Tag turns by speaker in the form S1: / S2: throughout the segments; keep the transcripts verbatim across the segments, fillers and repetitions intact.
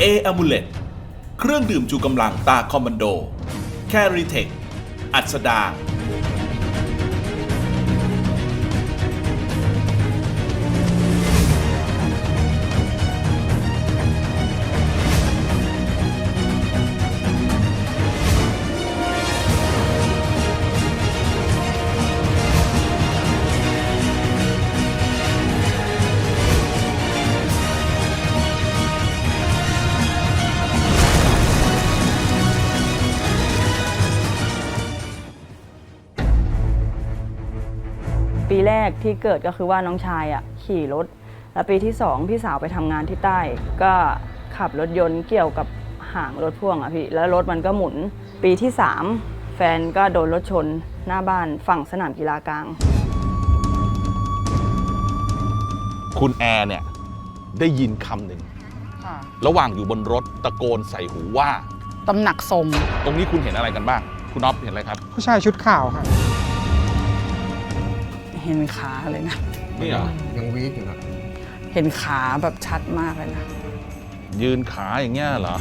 S1: A Amulet เครื่องดื่มชูกำลังตาคอมมานโดแคริเทคอัสดาง
S2: ปีแรกที่เกิดก็คือว่าน้องชายอ่ะขี่รถแล้วปีที่สองพี่สาวไปทำงานที่ใต้ก็ขับรถยนต์เกี่ยวกับหางรถพ่วงอ่ะพี่แล้วรถมันก็หมุนปีที่สามแฟนก็โดนรถชนหน้าบ้านฝั่งสนามกีฬากลาง
S3: คุณแอร์เนี่ยได้ยินคำหนึ่งระหว่างอยู่บนรถตะโกนใส่หูว่า
S4: ตำหนักทรง
S3: ตรงนี้คุณเห็นอะไรกันบ้างคุณน็อปเห็นอะไรครับ
S5: ผู้ชายชุดขาวครับ
S4: เห็นขาเลยนะ
S3: นี่เหรอ
S5: ยังวีดอยู่นะ
S4: เห็นขาแบบชัดมากเลยนะ
S3: ยืนขาอย่างเงี้ยเหรอ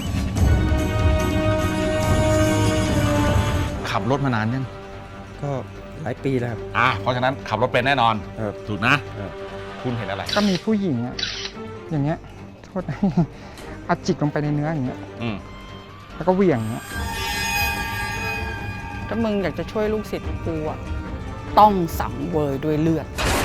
S3: ขับรถมานานยัง
S5: ก็หลายปีแล้วครับ
S3: อ่ะเพราะฉะนั้นขับรถเป็นแน่นอนถูกนะคุณเห็นอะไร
S5: ก็มีผู้หญิงอะอย่างเงี้ยโทษอัดจิกลงไปในเนื้ออย่างเงี้ยแล้วก็เหวี่ยงเงี้ย
S4: ถ้ามึงอยากจะช่วยลูกศิษย์กูอะต้องสังเวยด้วยเลือด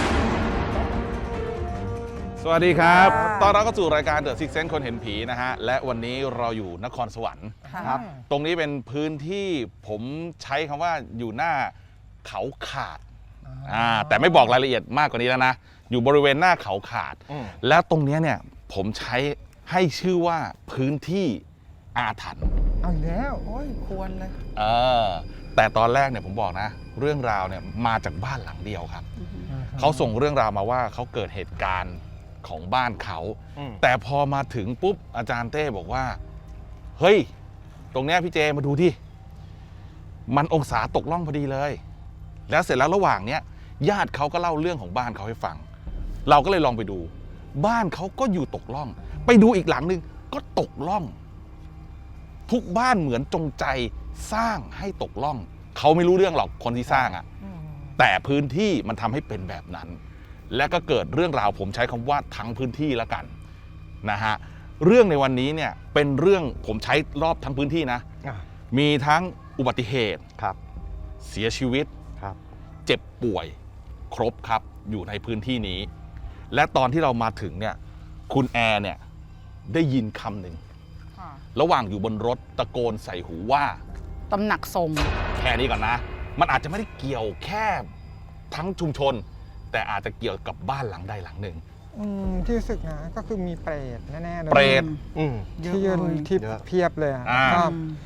S3: สวัสดีครับตอนเราก็สู่รายการ The Sixth Sense คนเห็นผีนะฮะและวันนี้เราอยู่นครสวรรค์ครับตรงนี้เป็นพื้นที่ผมใช้คำว่าอยู่หน้าเขาขาดอ่าแต่ไม่บอกรายละเอียดมากกว่านี้แล้วนะอยู่บริเวณหน้าเขาขาดแล้วตรงนี้เนี่ยผมใช้ให้ชื่อว่าพื้นที่อาถรรพ์
S5: เอาแล้ว
S4: โอ้ยควรเลย
S3: เออแต่ตอนแรกเนี่ยผมบอกนะเรื่องราวเนี่ยมาจากบ้านหลังเดียวครับเขาส่งเรื่องราวมาว่าเขาเกิดเหตุการณ์ของบ้านเขาแต่พอมาถึงปุ๊บอาจารย์เต้บอกว่าเฮ้ยตรงเนี้ยพี่เจมาดูที่มันองศาตกล่องพอดีเลยแล้วเสร็จแล้วระหว่างเนี้ยญาติเขาก็เล่าเรื่องของบ้านเขาให้ฟังเราก็เลยลองไปดูบ้านเขาก็อยู่ตกล่องไปดูอีกหลังนึงก็ตกล่องทุกบ้านเหมือนจงใจสร้างให้ตกล่องเขาไม่รู้เรื่องหรอกคนที่สร้างอะแต่พื้นที่มันทำให้เป็นแบบนั้นและก็เกิดเรื่องราวผมใช้คำว่าทั้งพื้นที่แล้วกันนะฮะเรื่องในวันนี้เนี่ยเป็นเรื่องผมใช้รอบทั้งพื้นที่นะมีทั้งอุบัติเหตุครับเสียชีวิตครับเจ็บป่วยครบครับอยู่ในพื้นที่นี้และตอนที่เรามาถึงเนี่ยคุณแอร์เนี่ยได้ยินคำหนึ่งระหว่างอยู่บนรถตะโกนใส่หูว่า
S4: ตำหนักทรง
S3: แค่นี้ก่อนนะมันอาจจะไม่ได้เกี่ยวแค่ทั้งชุมชนแต่อาจจะเกี่ยวกับบ้านหลังใดหลังหนึ่ง
S5: ที่รู้สึกนะก็คือมีเปรตแน่ๆเลย
S3: เปรต
S5: ที่ยืนที่เพียบเลยก็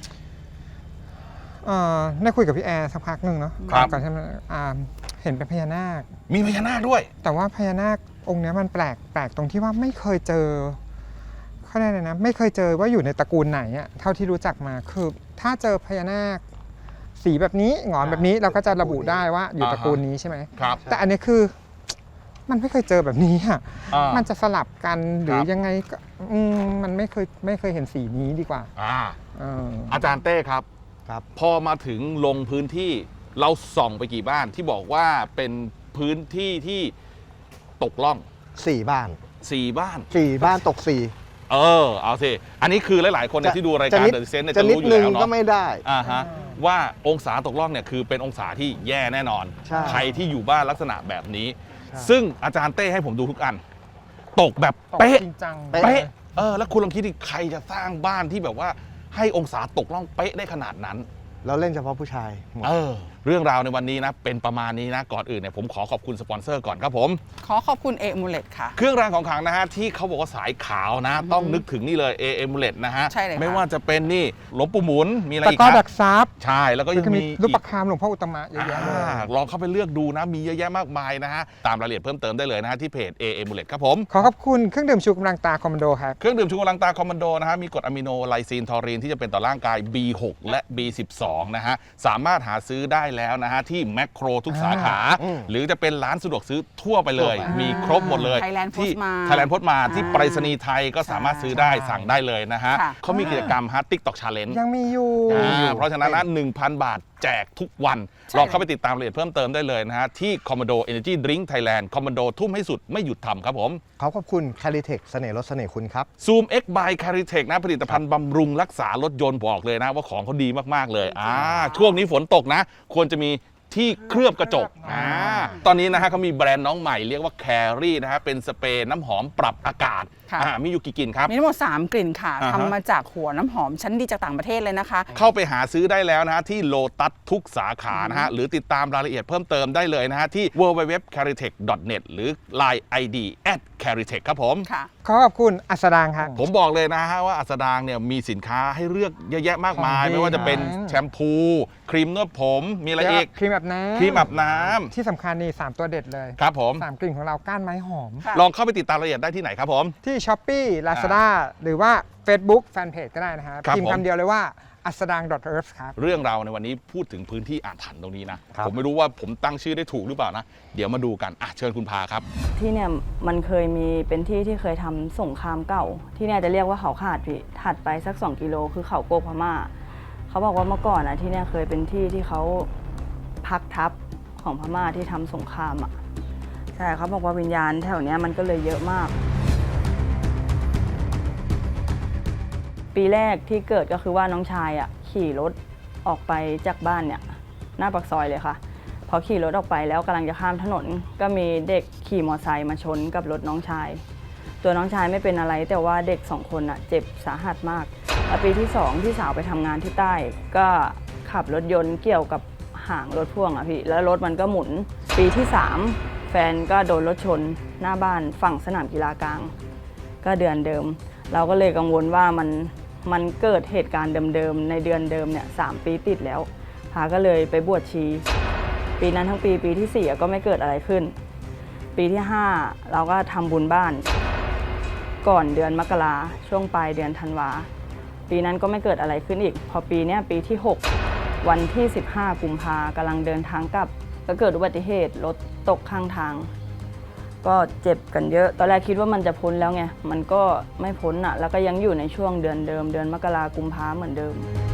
S5: ได้คุยกับพี่แอร์สักพักหนึ่งเนาะก่อนที่มันเห็นเป็นพญานาค
S3: มีพญานาคด้วย
S5: แต่ว่าพญานาคองค์นี้มันแปลกแปลกตรงที่ว่าไม่เคยเจอเขาได้เลยนะไม่เคยเจอว่าอยู่ในตระกูลไหนอะเท่าที่รู้จักมาคือถ้าเจอพญานาคสีแบบนี้หงอนแบบนี้เราก็จะระบุได้ว่าอยู่ตระกูลนี้ใช่ไหม
S3: ครับ
S5: แต่อันนี้คือมันไม่เคยเจอแบบนี้อะมันจะสลับกันหรือยังไงก็มันไม่เคยไม่เคยเห็นสีนี้ดีกว่า
S3: อาจารย์เต้ครับครับพอมาถึงลงพื้นที่เราส่องไปกี่บ้านที่บอกว่าเป็นพื้นที่ที่ตกล่อง
S6: สี่บ้าน
S3: สี่บ้าน
S6: สี่บ้านตกสี่
S3: เออเอาสิอันนี้คือหลายๆคนที่ดูรายการเดอะเซนเนี่ยจะรู้อยู่แล้วเนาะ
S6: ก็ไม่ได้
S3: อ่าฮะว่าองศาตกล่องเนี่ยคือเป็นองศาที่แย่แน่นอนใครที่อยู่บ้านลักษณะแบบนี้ซึ่งอาจารย์เต้ให้ผมดูทุกอันตกแบบเป๊ะเป๊ะเออแล้วคุณลองคิดดิใครจะสร้างบ้านที่แบบว่าให้องศาตกล่องเป๊ะได้ขนาดนั้น
S6: เราเล่นเฉพาะผู้ชาย
S3: เออเรื่องราวในวันนี้นะเป็นประมาณนี้นะก่อนอื่นเนี่ยผมขอขอบคุณสปอนเซอร์ก่อนครับผม
S4: ขอขอบคุณ A Amulet ค่ะ
S3: เครื่องรางของขลังนะฮะที่เขาบอกว่าสายขาวนะต้องนึกถึงนี่เลย A Amulet นะฮะ
S4: ใช่เลย
S3: ไม่ว่าจะเป็นนี่หลวงปู่หมุนมีอะไรอีก
S5: ครับตะก้อดักซับ
S3: ใช่แล้วก็ยังมี
S5: รูปประคำหลวงพ่ออุตตมะเยอะแยะเลย
S3: ลองเข้าไปเลือกดูนะมีเยอะแยะมากมายนะฮะตามรายละเอียดเพิ่มเติมได้เลยนะฮะที่เพจ A Amulet ครับผม
S5: ขอขอบคุณเครื่องดื่มชูกำลังตาคอมมานโดครับ
S3: เครื่องดื่มชูกำลังตาคอมมานโดนะฮะมีกรดอะมิโนไลซีนทอรีนที่จะเป็นต่อร่างกาย บี หก และ บี สิบสอง นะฮะสามารถหาซื้อได้แล้วนะฮะที่แมคโครทุกสาขา
S6: อืม
S3: หรือจะเป็นร้านสะดวกซื้อทั่วไปเลย
S6: ทั่วไป
S3: มีครบหมดเลย
S4: Thailand
S3: ที่
S4: Postmart
S3: ไทยแลนด์โพสต์มาที่
S4: อ่า
S3: ไปรษณีย์ไทยก็สามารถซื้อได้
S5: ใช่
S3: สั่งได้เลยนะฮะ
S4: ค่ะ
S3: เขามีกิจกรรมฮะ TikTok Challenge
S5: ยังมีอยู่
S3: อ่าเพราะฉะนั้นนะหนึ่งพัน บาทแจกทุกวัน
S4: ใช่
S3: ลองเข้าไปติดตามรายละเอียดเพิ่มเติมได้เลยนะฮะ ที่ Commando Energy Drink Thailand Commando ทุ่มให้สุดไม่หยุดทำครับผม
S6: ขอขอบคุณ c a r i t e c h เสน่ห์รถเสน่ห์คุณครับ
S3: Zoom X by Caritech นะผลิตภัณฑ์บำรุงรักษารถยนต์บอกเลยนะว่าของเขาดีมาก ๆ เลยอ่าช่วงนี้ฝนตกนะ ควรจะมีที่เคลือบกระจกอ่าตอนนี้นะฮะเขามีแบรนด์น้องใหม่เรียกว่า Carry นะฮะเป็นสเปรย์น้ำหอมปรับอากาศ
S4: ค่ะ
S3: อ่ามีอยู่กี่กลิ่นครับ
S4: มีทั้งหมดสามกลิ่นค่ะ
S3: อ่าฮะ
S4: ทำมาจากหัวน้ำหอมชั้นดีจากต่างประเทศเลยนะคะ
S3: เข้าไปหาซื้อได้แล้วนะฮะที่โลตัสทุกสาขานะฮะหรือติดตามรายละเอียดเพิ่มเติมได้เลยนะฮะที่ ดับเบิลยู ดับเบิลยู ดับเบิลยู ดอท caritech ดอท เน็ต หรือ ไลน์ ไอ ดี แอท caritech ครับผม
S4: ค่ะ
S5: ขอขอบคุณอัสดางครับ
S3: ผมบอกเลยนะฮะว่าอัสดางเนี่ยมีสินค้าให้เลือกเยอะแยะมากมาย
S5: ของดี
S3: ไม่ว่าจะเป็น
S5: นะ
S3: แชมพู ครีมนวดผม มีอะไรอีก
S5: ครีมแบบน้ำ
S3: ครีมอาบน้ำ
S5: ที่สำคัญนี่สามตัวเด็ดเลย
S3: ครับผม
S5: สามกลิ่นของเราก้านไม้หอม
S4: ค่ะ
S3: ลองเข้าไปติดตามรายละเอียดได้ที่ไหนครับผม
S5: ที่ Shopee Lazada หรือว่า Facebook Fanpage ก็ได้นะฮะ
S3: ครับ
S5: พิมพ์
S3: ผม
S5: คำเดียวเลยว่าอัสดาง .earth ครับ
S3: เรื่องราวในวันนี้พูดถึงพื้นที่อ่านถันตรงนี้นะ
S6: ครับ
S3: ผมไม่รู้ว่าผมตั้งชื่อได้ถูกหรือเปล่านะ เดี๋ยวมาดูกันอ่ะเชิญคุณพาครับ
S2: ที่เนี่ยมันเคยมีเป็นที่ที่เคยทำสงครามเก่า ที่เนี่ยจะเรียกว่าเขาขาดพี่ถัดไปสักสองกิโลคือเขาโกกพม่าเขาบอกว่าเมื่อก่อนอ่ะที่เนี่ยเคยเป็นที่ที่เขาพักทัพของพม่าที่ทำสงครามอ่ะใช่เขาบอกว่าวิญญาณแถวเนี้ยมันก็เลยเยอะมาก ปีแรกที่เกิดก็คือว่าน้องชายอ่ะขี่รถออกไปจากบ้านเนี่ยหน้าปากซอยเลยค่ะ พอขี่รถออกไปแล้วกำลังจะข้ามถนน ก็มีเด็กขี่มอเตอร์ไซค์มาชนกับรถน้องชาย ตัวน้องชายไม่เป็นอะไรแต่ว่าเด็กสองคนอ่ะเจ็บสาหัสมากแล้วปีที่สองพี่สาวไปทำงานที่ใต้ ก็ขับรถยนต์เกี่ยวกับหางรถพ่วงอ่ะพี่แล้วรถมันก็หมุน ปีที่สามแฟนก็โดนรถชนหน้าบ้านฝั่งสนามกีฬากลาง ก็เดือนเดิม เราก็เลยกังวลว่ามันมันเกิดเหตุการณ์เดิมๆในเดือนเดิมเนี่ยสามปีติดแล้วพาก็เลยไปบวชชี ปีนั้นทั้งปีปีที่สี่ก็ไม่เกิดอะไรขึ้น ปีที่ห้าเราก็ทำบุญบ้านก่อนเดือนมกราช่วงปลายเดือนธันวาปีนั้นก็ไม่เกิดอะไรขึ้นอีก พอปีเนี้ยปีที่หกวันที่สิบห้ากุมภากำลังเดินทางกลับก็เกิดอุบัติเหตุรถตกข้างทาง ก็เจ็บกันเยอะ ตอนแรกคิดว่ามันจะพ้นแล้วไง มันก็ไม่พ้นอ่ะ แล้วก็ยังอยู่ในช่วงเดือนเดิม เดือนมกรากุมภาเหมือนเดิม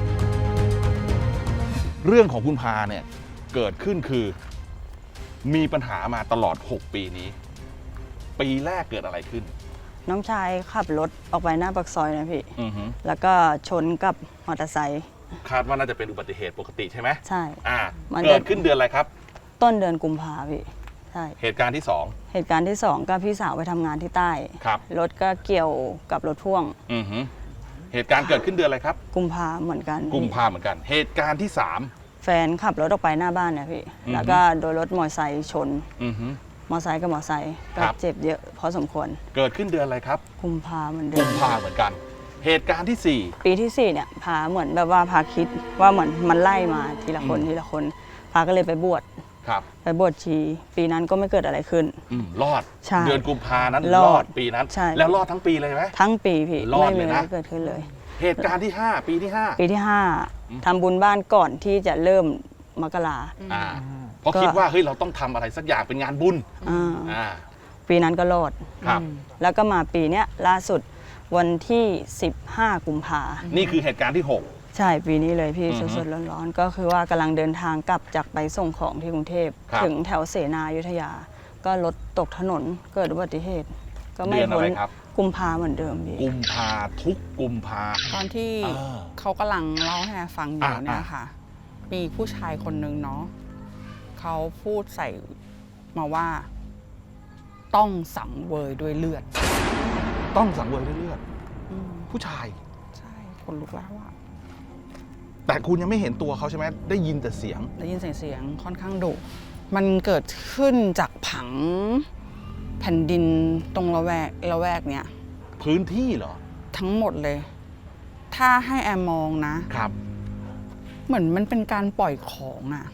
S3: เรื่องของคุณพาเนี่ยเกิดขึ้นคือ มีปัญหามาตลอด หก ปีนี้ ปีแรกเกิดอะไรขึ้น
S2: น้องชายขับรถออกไปหน้าปากซอยนะพี่
S3: อือฮึ
S2: แล้วก็ชนกับมอเตอร์ไซค์
S3: คาดว่าน่าจะเป็นอุบัติเหตุปกติใช่ไหม
S2: ใช่
S3: อ่า
S2: มันจะ
S3: เกิดขึ้นเดือนอะไรครับ
S2: ต้นเดือนกุมภาพี่ ใช่
S3: เหตุการณ์ที่สอง
S2: เหตุการณ์ที่สองก็พี่สาวไปทำงานที่ใต้
S3: ครับ
S2: รถก็เกี่ยวกับรถพ่วง
S3: อือฮึเหตุการณ์เกิดขึ้นเดือนอะไรครับ
S2: กุมภาเหมือนกันพี่
S3: กุมภาเหมือนกัน เหตุการณ์ที่สาม
S2: แฟนขับรถออกไปหน้าบ้านเนี่ยพี่
S3: อือฮึ
S2: แล้วก็โดนรถมอเตอร์ไซค์ชน
S3: อือฮึ
S2: มอเตอร์ไซค์กับมอเตอร์ไซค์ก็
S3: ครับ
S2: เจ็บเยอะพอสมควร
S3: เกิดขึ้นเดือนอะไรครับ
S2: กุมภาเหมือนเดิ
S3: กุ
S2: ม
S3: มภาเหมือนกัน เหตุการณ์ที่สี่
S2: ปีที่สี่เนี่ยพาเหมือนแบบว่าพาคิดว่าเหมือนมันไล่มาทีละคน
S3: อืม
S2: ทีละคนพาก็เลยไปบวช
S3: ครับ
S2: ไปบวชชี ปีนั้นก็ไม่เกิดอะไรขึ้น
S3: อืมรอด
S2: ใช่
S3: เดือนกุมภานั้น
S2: ร
S3: ร
S2: อ
S3: อ
S2: ด
S3: ดปีนั้น
S2: ใช่
S3: แล้วรอดทั้งปีเลยไหม
S2: ทั้งปีพี่
S3: รอด
S2: ไม่
S3: เล
S2: มี
S3: ย
S2: อะไร
S3: นะ
S2: เกิดขึ้นเลย
S3: เหตุการณ์ที่ห้าปีที่ห้า
S2: ปีที่ห้าทำบุญบ้านก่อนที่จะเริ่มมกรา
S3: อ่าเพราะ
S2: ก็
S3: คิดว่าเฮ้ยเราต้องทำอะไรสักอย่างเป็นงานบุญ
S2: อ่า
S3: อ่า
S2: ปีนั้นก็รอด
S3: ครับ
S2: แล้วก็มาปีเนี้ยล่าสุดวันที่สิบห้ากุมภา
S3: นี่คือเหตุการณ์ที่หก
S2: ใช่ปีนี้เลยพี่
S3: อือฮึ
S2: สดๆร้อนๆก็คือว่ากำลังเดินทางกลับจากไปส่งของที่กรุงเทพ
S3: ครับ
S2: ถึงแถวเสนาอยุธยา ก็รถตกถนนเกิดอุบัติเหตุ ก็ไม่
S3: เดือนอะ
S2: พ้น
S3: ไรครับ
S2: กุมภาเหมือนเดิมพี่
S3: กุมภาทุกกุมภา
S4: ตอนที่
S3: อ่า
S4: เขากำลังเล่าให้แอร์ฟังอยู่
S3: อ่า
S4: เนี่ย
S3: อ่า
S4: ค่ะ มีผู้ชายคนหนึ่งเนาะเขาพูดใส่มาว่า ต้องสังเวยด้วยเลือด
S3: ต้องสังเวยด้วยเลือด
S4: อืม
S3: ผู้ชาย
S4: ใช่คนลุกแล้วอะ
S3: แต่คุณยังไม่เห็นตัวเขาใช่ไหมได้ยินแต่เสียง
S4: ได้ยินเสียงเสียงค่อนข้างดุมันเกิดขึ้นจากผังแผ่นดินตรงละแวกละแวกเนี้ย
S3: พื้นที่เหรอ
S4: ทั้งหมดเลย ถ้าให้แอมมองนะ
S3: ครับ
S4: เหมือนมันเป็นการปล่อยของอะ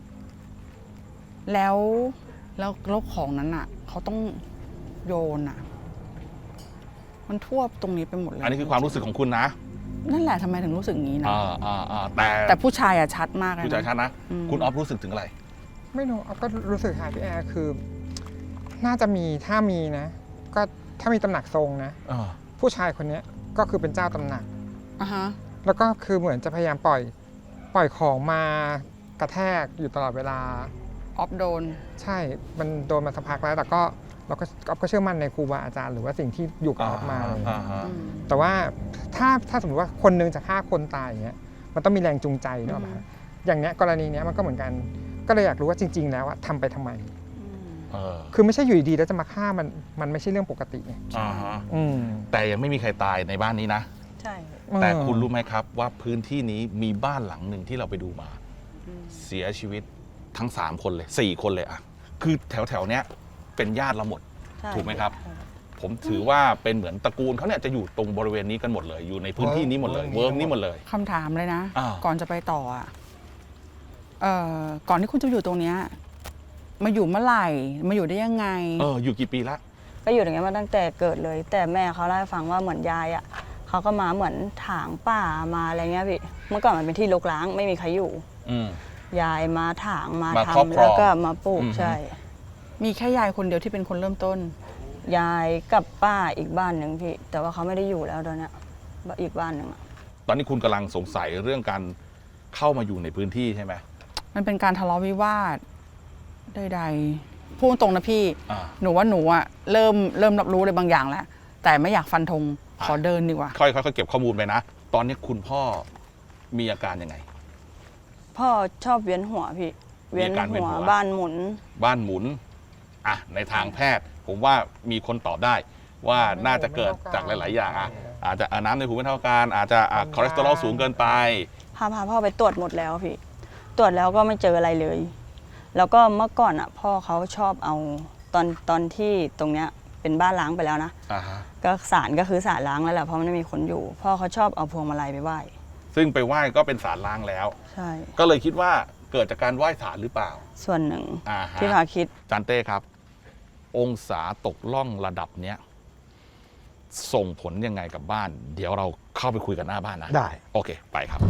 S4: แล้วแล้วแล้วของนั้นอะเขาต้องโยนอะมันทั่วตรงนี้ไปหมดเลย
S3: อันนี้คือความรู้สึกของคุณนะ
S4: นั่นแหละทำไมถึงรู้สึกงี้นะ
S3: อ่าอ่าอ่าแต่
S4: แต่ผู้ชายอะชัดมากเลย
S3: ผู้ชายชัดนะ
S4: อืม
S3: คุณออฟรู้สึกถึงอะไร
S5: ไม่รู้เอาก็รู้สึกหายพี่แอร์คือ น่าจะมีถ้ามีนะ ก็ถ้ามีตำหนักทรงนะ
S3: อ่า
S5: ผู้ชายคนเนี้ยก็คือเป็นเจ้าตำหนัก
S4: อ่ะฮะ
S5: แล้วก็คือเหมือนจะพยายามปล่อยปล่อยของมากระแทกอยู่ตลอดเวลา
S4: ออฟโดน
S5: ใช่ มันโดนมาสักพักแล้ว แต่ก็เราก็ออฟก็เชื่อมั่นในครูบาอาจารย์หรือว่าสิ่งที่อยู่กับออฟมาอะไรอย่าง
S3: อ่า
S5: เงี้ย
S3: ฮะ
S4: อืม
S5: แต่ว่าถ้าถ้าสมมติว่าคนนึงจะฆ่าคนตายอย่างเงี้ย มันต้องมีแรงจูงใจเนกอะ
S4: อืม
S5: อย่างเนี้ยกรณีเนี้ยมันก็เหมือนกัน ก็เลยอยากรู้ว่าจริง ๆ แล้วอะทำไปทำไม
S3: เออ
S5: คือไม่ใช่อยู่ดีๆแล้วจะมาฆ่ามัน มันไม่ใช่เรื่องปกติไง
S3: อ่าฮะ
S5: อืม
S3: แต่ยังไม่มีใครตายในบ้านนี้นะ
S2: ใช่
S3: แต่คุณรู้ไหมครับว่าพื้นที่นี้มีบ้านหลังหนึ่งที่เราไปดูมา เสียชีวิตทั้ง 3 คนเลย 4 คนเลยอะคือแถวแถวๆเนี้ยเป็นญาติเราหมด
S2: ใช่
S3: ถูกไหมครับ ผมถือว่าเป็นเหมือนตระกูลเขาเนี่ยจะอยู่ตรงบริเวณนี้กันหมดเลย อยู่ในพื้นที่นี้หมดเลย เวิร์กนี้หมดเลย
S4: คำถามเลยนะ
S3: อ้าว
S4: ก่อนจะไปต่ออ่ะเอ่อก่อนที่คุณจะอยู่ตรงเนี้ยมาอยู่เมื่อไหร่ มาอยู่ได้ยังไง
S3: เอออยู่กี่ปีละ
S2: ก็อยู่อย่างเงี้ยมาตั้งแต่เกิดเลย แต่แม่เขาเล่าให้ฟังว่าเหมือนยายอ่ะเขาก็มาเหมือนถางป่ามาอะไรเงี้ยพี่เมื่อก่อนมันเป็นที่รกร้างไม่มีใครอยู่
S3: อืม
S2: ยายมาถางมา
S3: มาครอบ
S2: ทำ
S3: ครอง
S2: แล้วก็มาปลูก
S3: อือฮึ
S2: ใช่
S4: มีแค่ยายคนเดียวที่เป็นคนเริ่มต้น
S2: ยายกับป้าอีกบ้านหนึ่งพี่ แต่ว่าเขาไม่ได้อยู่แล้วตอนเนี้ยอีกบ้านหนึ่งอะ
S3: ตอนนี้คุณกำลังสงสัยเรื่องการเข้ามาอยู่ในพื้นที่ใช่ไหม
S4: มันเป็นการทะเลาะวิวาทใดๆพูดตรงนะพี่
S3: อ่า
S4: หนูว่าหนูอะเริ่มเริ่มรับรู้อะไรบางอย่างแล้ว แต่ไม่อยากฟันธงขอเดินดีกว่า
S3: ค่อยๆค่อยๆเก็บข้อมูลไปนะ ตอนนี้คุณพ่อมีอาการยังไง
S2: พ่อชอบเวียนหัวพี่เวียน
S3: มีอาการเวียน
S2: หัว
S3: หัว
S2: บ้านหมุน
S3: บ้านหมุนอ่ะในทางแพทย์ ผมว่ามีคนตอบได้ ว่าน่าจะเกิดจากหลาย ๆ อย่างอ่ะอาจจะอ่ะน้ำในหูไม่เท่ากัน อาจจะอ่ะคอเลสเตอรอลสูงเกินไป
S2: พาพาพ่อไปตรวจหมดแล้วพี่ ตรวจแล้วก็ไม่เจออะไรเลย แล้วก็เมื่อก่อนอ่ะ พ่อเขาชอบเอาตอนตอนที่ตรงเนี้ยเป็นบ้านล้างไปแล้วนะ
S3: อ่าฮะ
S2: ก็ศาลก็คือศาลล้างแล้วแหละเพราะมันไม่มีคนอยู่ พ่อเขาชอบเอาพวงมาลัยไปไหว้
S3: ซึ่งไปไหว้ก็เป็นสารล้างแล้ว
S2: ใช่
S3: ก็เลยคิดว่าเกิดจากการไหว้สารหรือเปล่า
S2: ส่วนหนึ่ง
S3: อ่าฮะ
S2: ที่พาคิด
S3: จานเต้ครับ องศาตกล่องระดับเนี้ยส่งผลยังไงกับบ้าน เดี๋ยวเราเข้าไปคุยกันหน้าบ้านนะ
S6: ได้
S3: โอเค ไปครับ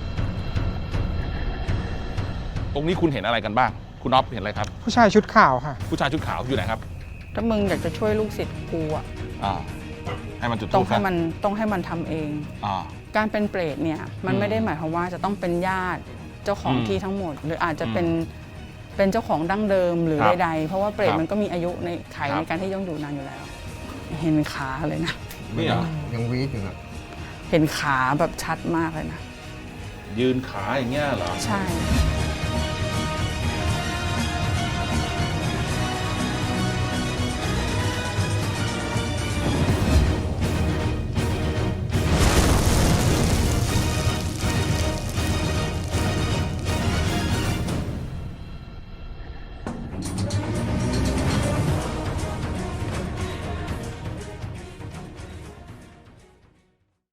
S3: ตรงนี้คุณเห็นอะไรกันบ้าง คุณอ๊อฟเห็นอะไรครับ
S5: ผู้ชายชุดขาวค่ะ
S3: ผู้ชายชุดขาวอยู่ไหนครับ
S4: ถ้ามึงอยากจะช่วยลูกศิษย์กูอะ
S3: อ่า ให้มันจุด
S4: ต้อง
S3: ธูป
S4: ให้
S3: ซะ
S4: มันต้องให้มันทำเอง
S3: อ่า
S4: การเป็นเปรตเนี่ยมัน
S3: อืม
S4: ไม่ได้หมายความว่าจะต้องเป็นญาติเจ้าของ
S3: อืม
S4: ที่ทั้งหมด หรืออาจจะเป็นเป็นเจ้าของดั้งเดิมหรือ
S3: ครับ
S4: ใดๆเพราะว่าเปรต
S3: ครับ
S4: มันก็มีอายุในไข
S3: ครับ
S4: ในการที่ย่องอยู่นานอยู่แล้ว เห็นขาเลยนะ
S3: นี่เหรอ
S6: ยังวีดอยู่อะ
S4: เห็นขาแบบชัดมากเลยนะ
S3: ยืนขาอย่างเงี้ยเหรอ
S4: ใช่